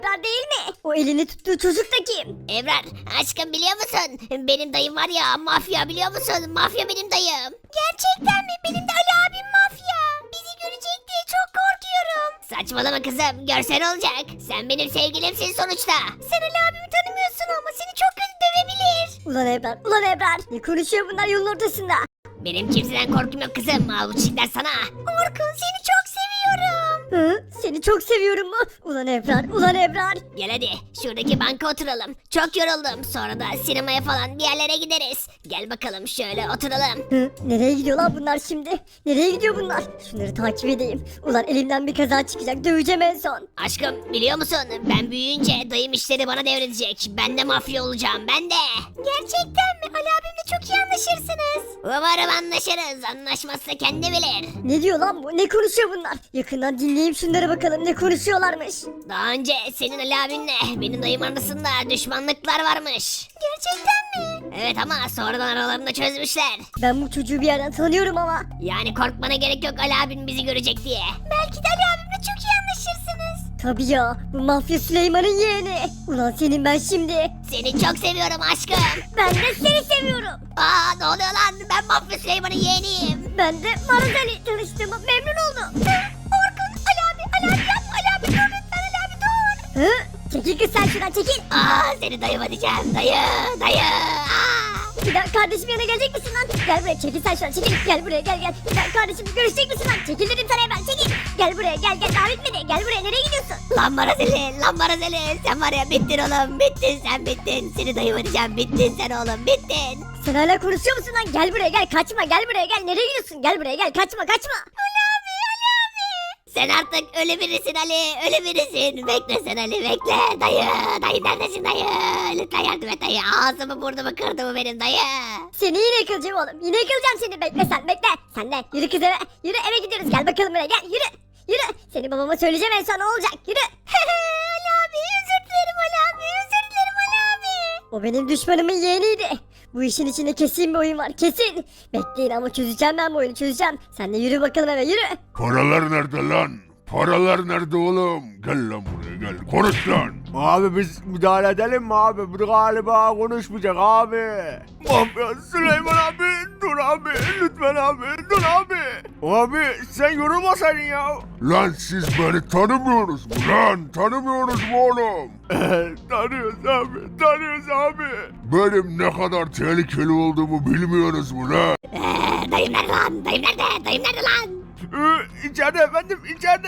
Ebrar değil mi? O elini tuttuğu çocuk da kim? Ebrar aşkım biliyor musun? Benim dayım var ya mafya biliyor musun? Mafya benim dayım. Gerçekten mi? Benim de Ali abim mafya. Bizi görecek diye çok korkuyorum. Saçmalama kızım görsen olacak. Sen benim sevgilimsin sonuçta. Sen Ali abimi tanımıyorsun ama seni çok kötü dövebilir. Ulan Ebrar. Ne konuşuyor bunlar yolun ortasında? Benim kimseden korkum yok kızım. Al bu çiçekler sana. Orkun seni çok seviyorum. Hı? Seni çok seviyorum mu? Ulan Ebrar. Gel hadi şuradaki banka oturalım. Çok yoruldum. Sonra da sinemaya falan bir yerlere gideriz. Gel bakalım şöyle oturalım. Hı? Nereye gidiyorlar bunlar şimdi? Nereye gidiyor bunlar? Şunları takip edeyim. Ulan elimden bir kaza çıkacak. Döveceğim en son. Aşkım biliyor musun? Ben büyüyünce dayım işleri bana devredecek. Ben de mafya olacağım ben de. Gerçekten mi? Ali abimle çok iyi anlaşırsınız. Umarım anlaşırız. Anlaşmazsa kendi bilir. Ne diyor lan bu? Ne konuşuyor bunlar? Yakından dinleyeyim şunlara bakalım ne konuşuyorlarmış. Daha önce senin Ali abinle benim dayım arasında düşmanlıklar varmış. Gerçekten mi? Evet ama sonradan aralarında çözmüşler. Ben bu çocuğu bir yerden tanıyorum ama. Yani korkmana gerek yok Ali abin bizi görecek diye. Belki de Ali abimle çok iyi anlaşırsınız. Tabii ya bu mafya Süleyman'ın yeğeni. Ulan senin ben şimdi. Seni çok seviyorum aşkım. Ben de seni seviyorum. Aa ne oluyor lan? Ben Mafya Süleyman'ın yeğeniyim. Ben de Marazeli tanıştığıma memnun oldum. Orkun, Ali abi yapma Ali abi dur lütfen Ali abi dur. Hı? Çekil kız sen şuradan çekil. Aa seni dayıma diyeceğim dayı. Aa. Bir daha kardeşim yanına gelecek misin lan? Gel buraya çekil sen şuradan çekil. Gel buraya gel. Sen kardeşimle görüşecek misin lan? Çekil dedim sana hemen çekil. Gel buraya gel daha bitmedi. Gel buraya nereye gidiyorsun? Lan Marazeli sen var ya bittin oğlum sen bittin. Seni dayıma diyeceğim bittin sen oğlum bittin. Sen hala konuşuyor musun lan? Gel buraya gel kaçma gel buraya gel. Nereye gidiyorsun? Gel buraya gel kaçma. Ali abi. Sen artık ölü birisin Ali ölü birisin. Bekle sen Ali bekle dayı neredesin dayı? Lütfen yardım et dayı ağzımı burnumu kırdı bu benim dayı. Seni yine yıkılacağım oğlum. Yine yıkılacağım seni. Bekle sen bekle. Sen de yürü kız eve. Yürü eve gidiyoruz. Gel bakalım buraya gel. Yürü. Seni babama söyleyeceğim en son ne olacak. Yürü. Ali abi özür dilerim Ali abi özür dilerim Ali abi. O benim düşmanımın yeğeniydi. Bu işin içinde kesin bir oyun var kesin. Bekleyin ama çözeceğim ben bu oyunu çözeceğim. Sen de yürü bakalım eve yürü. Paralar nerede lan? Paralar nerede oğlum? Gel lan buraya gel. Konuş lan. Abi biz müdahale edelim mi abi? Bu galiba konuşmayacak abi. Mafya Süleyman abi dur abi lütfen abi dur abi. Abi sen yorulmasaydın ya. Lan siz beni tanımıyorsunuz mu lan? Tanımıyorsunuz mu oğlum? Tanıyoruz abi. Benim ne kadar tehlikeli olduğumu bilmiyorsunuz mu lan? Dayım nerede lan dayım nerede lan? İçeride efendim içeride.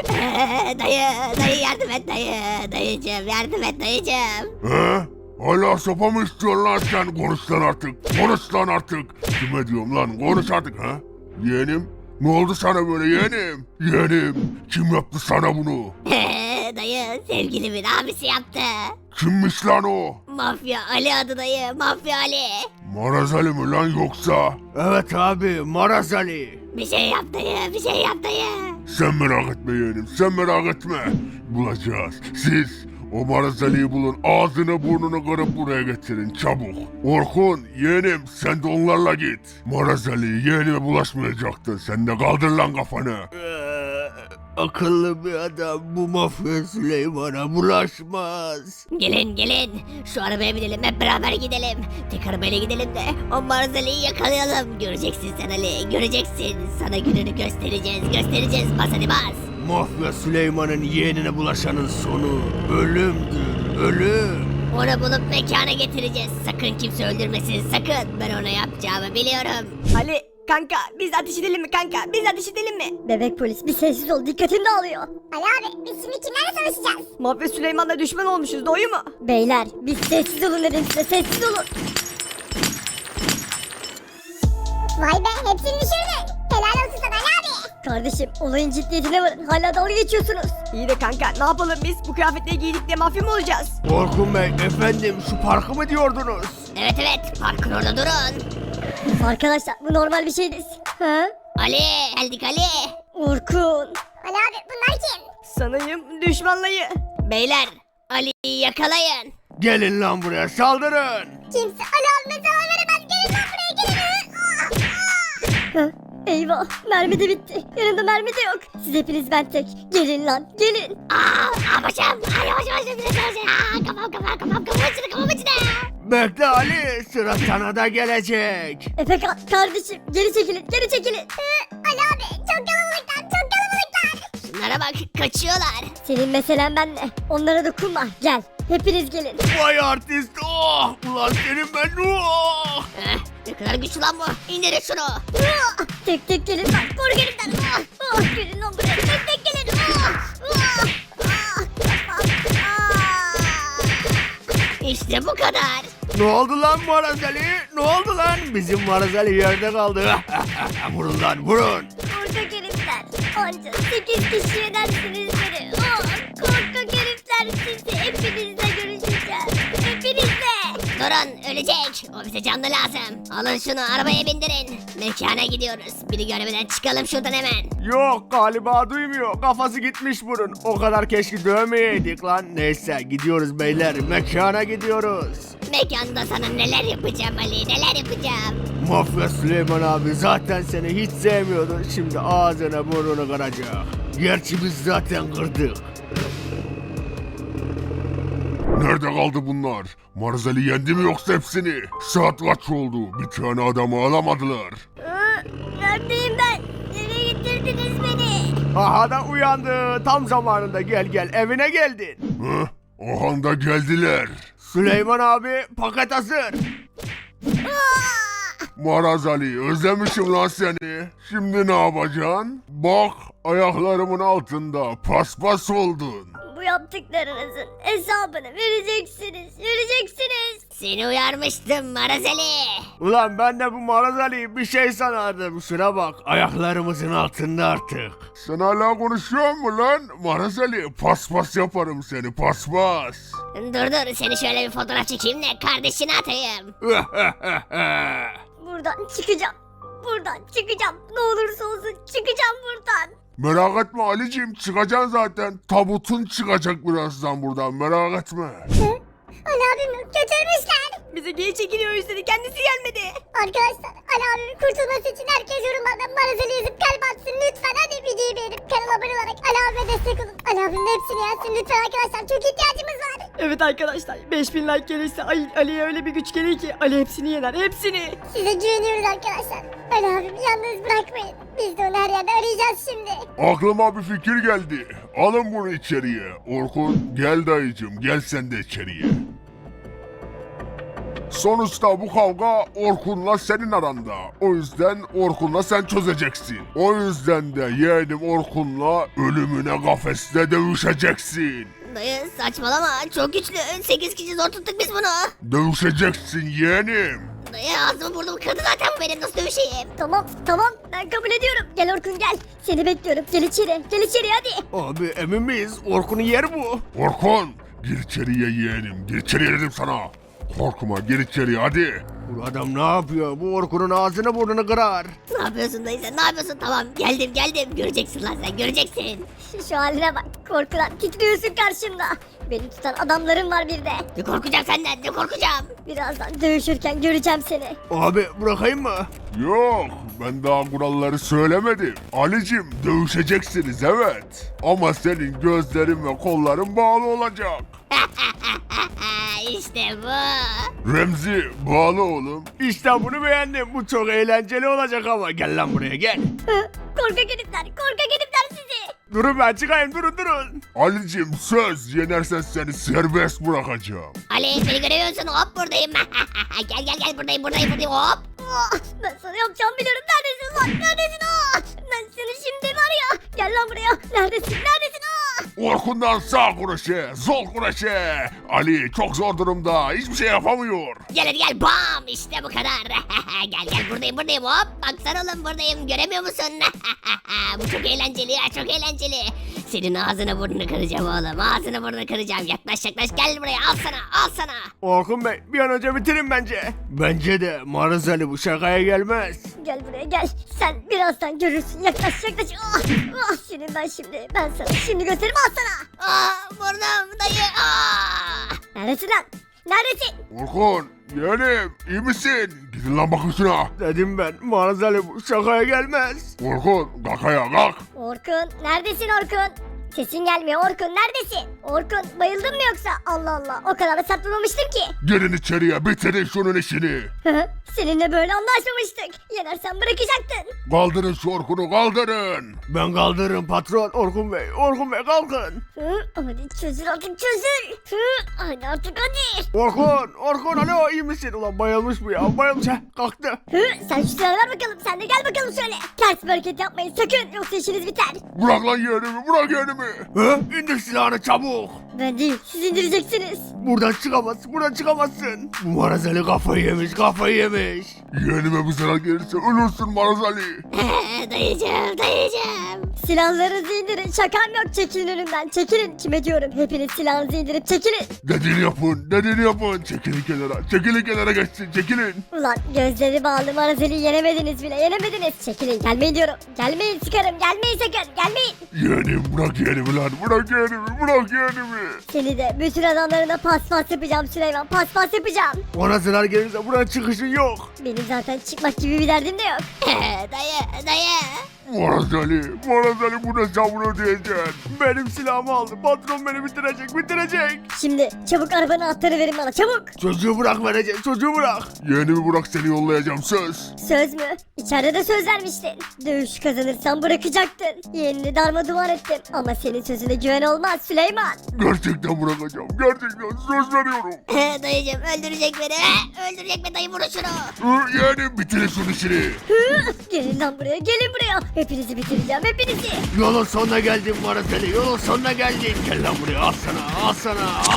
Dayı yardım et dayıcım yardım et dayıcım. He? Hala sopa mı istiyorsun lan sen? Konuş lan artık. Konuş lan artık. Kime diyorum lan? Konuş artık ha? Yeğenim? Ne oldu sana böyle yeğenim? Yeğenim kim yaptı sana bunu? Dayı sevgilimin abisi yaptı. Kimmiş lan o? Mafya Ali adı dayı mafya Ali. Marazali mi lan yoksa? Evet abi Maraz Ali. Bir şey yap dayı bir şey yap dayı. Sen merak etme yeğenim, sen merak etme. Bulacağız. Siz o Marazali'yi bulun, ağzını burnunu kırıp buraya getirin çabuk. Orkun, yeğenim sen de onlarla git. Marazali yeğenime bulaşmayacaktın. Sen de kaldır lan kafanı. Akıllı bir adam bu mafya Süleyman'a bulaşmaz. Gelin şu arabaya binelim hep beraber gidelim. Tek arabayla gidelim de o Marzali'yi yakalayalım. Göreceksin sen Ali göreceksin. Sana gününü göstereceğiz bas hadi bas. Mafya Süleyman'ın yeğenine bulaşanın sonu ölümdür, ölüm. Onu bulup mekana getireceğiz. Sakın kimse öldürmesin sakın. Ben ona yapacağımı biliyorum. Ali kanka biz ateş edelim mi kanka? Biz ateş edelim mi? Bebek polis bir sessiz ol dikkatim dağılıyor. Ali abi biz şimdi kimlerle savaşacağız? Mafya Süleyman'la düşman olmuşuz doğru mu? Beyler biz sessiz olun dedim size sessiz olun. Vay be hepsini düşürdün. Helal olsun sana Ali abi. Kardeşim olayın ciddiyetine varın hala dalga geçiyorsunuz. İyi de kanka ne yapalım biz? Bu kıyafetleri giydik de mafya mı olacağız? Orkun Bey efendim şu parkı mı diyordunuz? Evet parkın orada durun. Arkadaşlar bu normal bir şey değil. Ha? Ali geldik Ali. Orkun. Ali abi bunlar kim? Sanayım düşmanlayı. Beyler Ali'yi yakalayın. Gelin lan buraya saldırın. Kimse Ali abime zarar veremez. Gelin lan buraya gelin. Ha? Eyvah mermi de bitti. Yanımda mermi de yok. Siz hepiniz ben tek. Gelin lan gelin. Başım. Ay yavaş yavaş biraz yavaş. Kafam içine. Bekle Ali, sıra sana da gelecek. Efekan kardeşim geri çekilin geri çekilin. Ali abi çok kalabalıklar çok kalabalıklar. Şunlara bak kaçıyorlar. Senin meselen benle. Onlara dokunma gel. Hepiniz gelin. Vay artist, oh! Ulan senin ben, oh! Ne kadar güçlü lan bu. İndirin şunu. Tek tek gelin lan. Koru gelin lan. Gelin lan buraya. Tek tek gelin. İşte bu kadar. Ne oldu lan Marazeli? Ne oldu lan? Bizim Marazeli yerde kaldı. Vurun lan vurun. Korkak herifler. Anca 8 kişi edersiniz beni. Korkak herifler sizi. Hepinizle görüşeceğiz. Hepinizle. Durun ölecek. O bize canlı lazım. Alın şunu arabaya bindirin. Mekana gidiyoruz. Biri görmeden çıkalım şuradan hemen. Yok galiba duymuyor. Kafası gitmiş bunun. O kadar keşke dövmeyeydik lan. Neyse gidiyoruz beyler. Mekana gidiyoruz. Mekanda sana neler yapacağım Ali neler yapacağım. Mafya Süleyman abi zaten seni hiç sevmiyordu. Şimdi ağzına burnunu kıracak. Gerçi biz zaten kırdık. Nerede kaldı bunlar? Marzali yendi mi yoksa hepsini? Saat kaç oldu? Bir tane adamı alamadılar. Neredeyim ben? Nereye getirdiniz beni? Aha da uyandı. Tam zamanında gel evine geldin. Hı? O anda geldiler. Süleyman abi paket hazır. Marazali özlemişim lan seni. Şimdi ne yapacaksın? Bak ayaklarımın altında paspas oldun. Bu yaptıklarınızın hesabını vereceksiniz. Vereceksiniz. Seni uyarmıştım Marazeli. Ulan ben de bu Maraz Ali'yi bir şey sanardım. Şuna bak ayaklarımızın altında artık. Sen hala konuşuyor mu lan? Marazali paspas yaparım seni paspas. Dur seni şöyle bir fotoğraf çekeyim de kardeşine atayım. Buradan çıkacağım. Buradan çıkacağım. Ne olursa olsun çıkacağım buradan. Merak etme Ali'ciğim çıkacaksın zaten. Tabutun çıkacak birazdan buradan merak etme. Ali abimi götürmüşler. Bize geri çekiliyor istedi kendisi gelmedi. Arkadaşlar Ali abimin kurtulması için herkes yorumlardan Marazeli yazıp kalp atsın lütfen. Hadi videoyu beğenip kanala abone olarak Ali abime destek olun. Ali abimin hepsini yazsın lütfen arkadaşlar çok ihtiyacımız var. Evet arkadaşlar 5000 like gelirse Ali'ye öyle bir güç gelir ki Ali hepsini yener hepsini. Size güveniyoruz arkadaşlar. Ali abimi yalnız bırakmayın. Biz de onu her yerde arayacağız şimdi. Aklıma bir fikir geldi. Alın bunu içeriye. Orkun gel dayıcım gel sen de içeriye. Sonuçta bu kavga Orkun'la senin aranda. O yüzden Orkun'la sen çözeceksin. O yüzden de yeğenim Orkun'la ölümüne kafeste dövüşeceksin. Dayı saçmalama çok güçlü. 8 kişi zor tuttuk biz bunu. Dövüşeceksin yeğenim. Dayı ağzımı burnumu kırdı zaten bu benim nasıl dövüşeyim. Tamam ben kabul ediyorum. Gel Orkun gel. Seni bekliyorum. Gel içeri hadi. Abi emin miyiz? Orkun'un yeri bu. Orkun gir içeriye yeğenim. Gir içeriye dedim sana. Korkma gir içeriye hadi. Bu adam ne yapıyor? Bu Orkun'un ağzını burnunu kırar. Ne yapıyorsun dayı sen ne yapıyorsun tamam geldim göreceksin lan sen göreceksin. Şu haline bak. Korkudan titriyorsun karşımda. Beni tutan adamlarım var bir de. Ne korkacağım senden ne korkacağım. Birazdan dövüşürken göreceğim seni. Abi bırakayım mı? Yok ben daha kuralları söylemedim. Ali'cim dövüşeceksiniz evet. Ama senin gözlerin ve kolların bağlı olacak. İşte bu. Remzi bağlı oğlum. İşte bunu beğendim. Bu çok eğlenceli olacak ama. Gel lan buraya gel. Korkak herifler sizi. Durun ben çıkayım durun. Ali'cim söz yenersen seni serbest bırakacağım. Ali beni görüyor musun hop buradayım. gel buradayım hop. Ben sana yapacağımı biliyorum. Neredesin lan? Neredesin? Ben seni şimdi var ya. Gel lan buraya. Neredesin? Orkun'dan sağ kuruşe, sol kuruşe. Ali çok zor durumda. Hiçbir şey yapamıyor. Gel hadi gel bam işte bu kadar. gel buradayım hop. Baksana oğlum buradayım göremiyor musun? bu çok eğlenceli ya çok eğlenceli. Senin ağzını burnunu kıracağım oğlum ağzını burnunu kıracağım. Yaklaş gel buraya al sana. Orkun Bey bir an önce bitirin bence. Bence de Maraz Ali bu şakaya gelmez. Gel buraya gel. Sen birazdan görürsün. Yaklaş. Senin ben sana şimdi gösteririm al sana. Burnum dayı. Neredesin lan? Neredesin? Orkun yeğenim iyi misin? Gidin lan bakın şuna. Dedim ben Marazeli bu şakaya gelmez. Orkun kalk ayağa kalk. Orkun neredesin Orkun? Sesin gelmiyor Orkun neredesin? Orkun bayıldın mı yoksa? Allah Allah o kadar da sattırmamıştım ki. Girin içeriye bitirin şunun işini. Seninle böyle anlaşmamıştık. Yenersen bırakacaktın. Kaldırın şu Orkun'u kaldırın. Ben kaldırırım patron Orkun Bey. Orkun Bey kalkın. Hadi çözül artık çözül. Hadi artık hadi. Orkun alo iyi misin? Ulan bayılmış bu ya bayılmış ha kalktı. Sen şu silahı ver bakalım. Sen de gel bakalım şöyle. Ters bir hareket yapmayın sakın. Yoksa işiniz biter. Bırak lan yeğenimi bırak yeğenimi. İndir silahını çabuk. Ben değil. Siz indireceksiniz. Buradan çıkamazsın. Bu Marazeli kafayı yemiş. Yeğenime bir zarar gelirse ölürsün Marazali. Dayıcım. Silahlarınızı indirin. Şakam yok. Çekilin önümden. Çekilin. Kime diyorum? Hepiniz silahınızı indirip çekilin. Dediğini yapın. Çekilin kenara geçsin çekilin. Ulan gözleri bağlı Marazeli'yi yenemediniz bile. Yenemediniz. Çekilin. Gelmeyin diyorum. Gelmeyin sıkarım. Gelmeyin sakın. Gelmeyin. Yeğenim bırak yeğenimi lan bırak yeğenimi. Seni de bütün adamlarına paspas yapacağım Süleyman. Paspas yapacağım. Ona zarar gelirse buradan çıkışın yok. Benim zaten çıkmak gibi bir derdim de yok. Dayı. Marazali bu ne sabrı ödeyeceksin. Benim silahımı aldı. Patron beni bitirecek. Şimdi çabuk arabanın anahtarı verin bana çabuk. Çocuğu bırak. Yeğenimi bırak seni yollayacağım söz. Söz mü? İçeride de söz vermiştin. Dövüş kazanırsan bırakacaktın. Yeğenini darmadağın ettim. Ama senin sözüne güven olmaz Süleyman. Gerçekten bırakacağım. Gerçekten söz veriyorum. Dayıcım öldürecek beni. Öldürecek beni dayı vurun şunu. Yeğenim bitirin şunun işini. Gelin lan buraya gelin buraya. Hepinizi bitireceğim hepinizi. Yolun sonuna geldim Marazeli. Gel lan buraya al sana.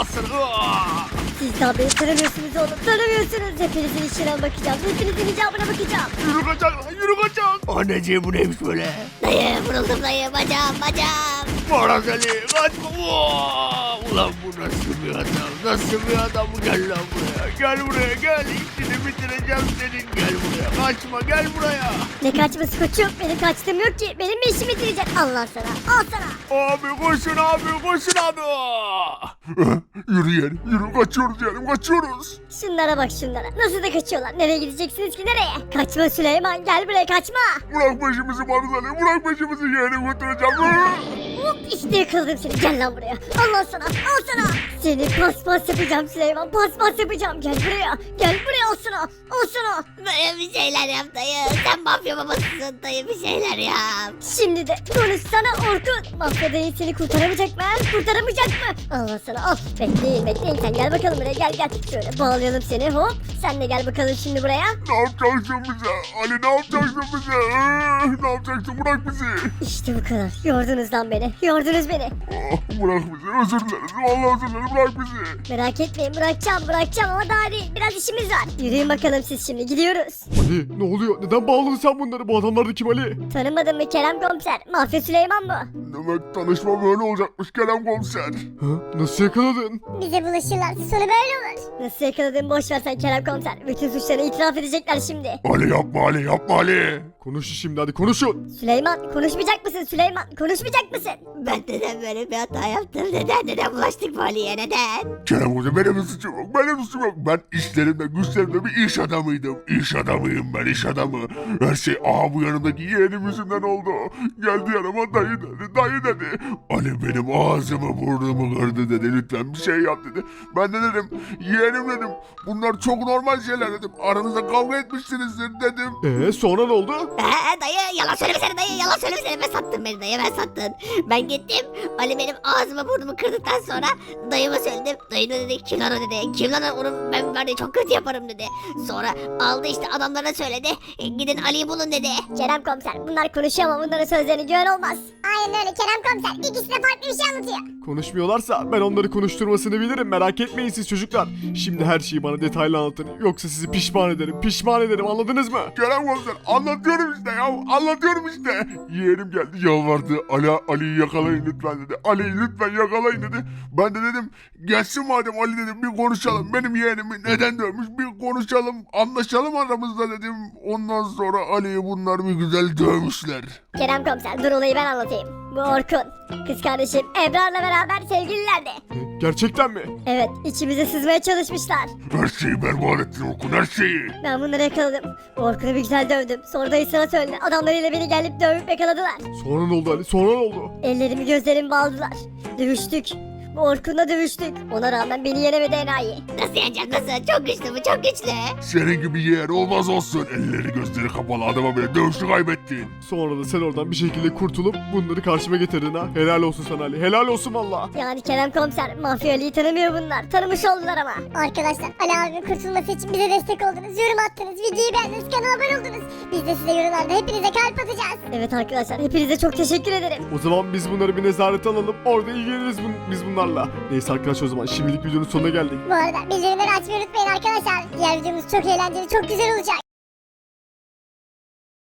Siz daha beni tanımıyorsunuz oğlum tanımıyorsunuz. Hepinizin işine bakacağım. Hepinizin icabına bakacağım. Yürü kaçak. Anneciğim bu neymiş böyle? Dayı vuruldum dayı bacağım. Marazeli kaçma. Ulan bu nasıl bir adam? Gel lan buraya. İşini bitireceğim senin. Gel buraya. Kaçma gel buraya. Ne kaçması koçum? Benim kaçtığım yok ki. Benim mi işimi bitirecek? Allah sana. Al sana. Abi koşun abi. Yürü yeğenim yürü kaçıyoruz yeğenim kaçıyoruz. Şunlara bak şunlara. Nasıl da kaçıyorlar? Nereye gideceksiniz ki nereye? Kaçma Süleyman gel buraya kaçma. Bırak peşimizi Marazali bırak peşimizi yeğenim götüreceğim. Hop işte yakaladım seni. Gel lan buraya. Allah sana. Al sana. Seni paspas yapacağım Süleyman. Paspas yapacağım. Gel buraya. Gel buraya al sana. Al sana. Dayı bir şeyler yap dayı. Sen mafya babasısın dayı bir şeyler yap. Şimdi de konuşsana Orkun. Mafya dayı seni kurtaramayacak mı? Kurtaramayacak mı? Allah sana al. Bekleyin sen gel bakalım buraya gel. Şöyle bağlayalım seni hop. Sen de gel bakalım şimdi buraya. Ne yapacaksın bize? Ali ne yapacaksın bize? Ne yapacaksın bırak bizi. İşte bu kadar. Yordunuz lan beni. Yordunuz beni. Bırak bizi özür dileriz. Vallahi özür dilerim bırak bizi. Merak etmeyin bırakacağım ama daha değil. Biraz işimiz var. Yürüyün bakalım siz şimdi gidiyoruz. Ali ne oluyor? Neden bağladın sen bunları? Bu adamlar da kim Ali? Tanımadın mı Kerem komiser? Mafya Süleyman bu. Demek tanışma böyle olacakmış Kerem komiser. Nasıl yakaladın? Bize bulaşırlarsa sonu böyle olur. Nasıl yakaladın boş ver sen Kerem komiser. Bütün suçlarını itiraf edecekler şimdi. Ali yapma Ali. Konuşun şimdi hadi konuşun. Süleyman konuşmayacak mısın Süleyman? Konuşmayacak mısın? Ben neden böyle bir hata yaptım? Neden bulaştık bu Ali'ye neden? Kerem komiser benim suçum yok. Ben işlerimde güçlerimde bir iş adamıydım. İş adamıyım ben iş adamı. Her şey bu yanımdaki yeğenim yüzünden oldu. Geldi yanıma dayı dedi. Ali benim ağzımı burnumu kırdı dedi. Lütfen bir şey yap dedi. Ben de dedim yeğenim dedim. Bunlar çok normal şeyler dedim. Aranızda kavga etmişsinizdir dedim. Sonra ne oldu? Dayı yalan söylemesene dayı yalan söylemesene ben sattım beni dayı ben sattın. Ben gittim Ali benim ağzımı burnumu kırdıktan sonra dayıma söyledim. Dayı ne dedi kim lan o dedi. Kim lan o? Onu ben var ya çok kötü yaparım dedi. Sonra aldı işte adamlarına söyledi. Gidin Ali'yi bulun dedi. Kerem komiser bunlar konuşuyor ama bunların sözlerine güven olmaz. Aynen öyle Kerem komiser. İkisi de farklı bir şey anlatıyor. Konuşmuyorlarsa ben onları konuşturmasını bilirim. Merak etmeyin siz çocuklar. Şimdi her şeyi bana detaylı anlatın. Yoksa sizi pişman ederim. Anladınız mı? Kerem komiser anlatıyorum işte ya. Anlatıyorum işte. Yeğenim geldi yalvardı. Ali'yi yakalayın lütfen dedi. Ali'yi lütfen yakalayın dedi. Ben de dedim gelsin madem Ali dedim bir konuşalım. Benim yeğenimi neden dövmüş bir konuşalım. Anlaşalım aramızda dedim. Ondan sonra Ali'yi bunlar bir güzel dövmüşler. Kerem komiser dur olayı ben anlatayım. Bu Orkun. Kız kardeşim Ebrar'la beraber sevgililerdi. Gerçekten mi? Evet, içimize sızmaya çalışmışlar. Her şeyi berbat ettin Orkun, her şeyi. Ben bunları yakaladım. Orkun'u bir güzel dövdüm. Sonra dayı sana söyledi. Adamlarıyla beni gelip dövüp yakaladılar. Sonra ne oldu Ali? Sonra ne oldu? Ellerimi gözlerimi bağladılar. Dövüştük. Bu Orkun'la dövüştük. Ona rağmen beni yenemedi enayi. Nasıl yeneceğim nasıl? Çok güçlü bu çok güçlü. Senin gibi yeğen olmaz olsun. Elleri gözleri kapalı adama bile dövüşü kaybettin. Sonra da sen oradan bir şekilde kurtulup bunları karşıma getirdin ha. Helal olsun sana Ali. Helal olsun valla. Yani Kerem Komiser, Mafya Ali'yi tanımıyor bunlar. Tanımış oldular ama. Arkadaşlar Ali abimin kurtulması için bize destek oldunuz. Yorum attınız, videoyu beğendiniz, kanala abone oldunuz. Biz de size yorumlarda hepinize kalp atacağız. Evet arkadaşlar, hepinize çok teşekkür ederim. O zaman biz bunları bir nezarete alalım. Orada ilgileniriz biz bunlarla. Neyse arkadaşlar o zaman şimdilik videonun sonuna geldik. Bu arada bildirimleri açmayı unutmayın arkadaşlar. Diğer videomuz çok eğlenceli, çok güzel olacak.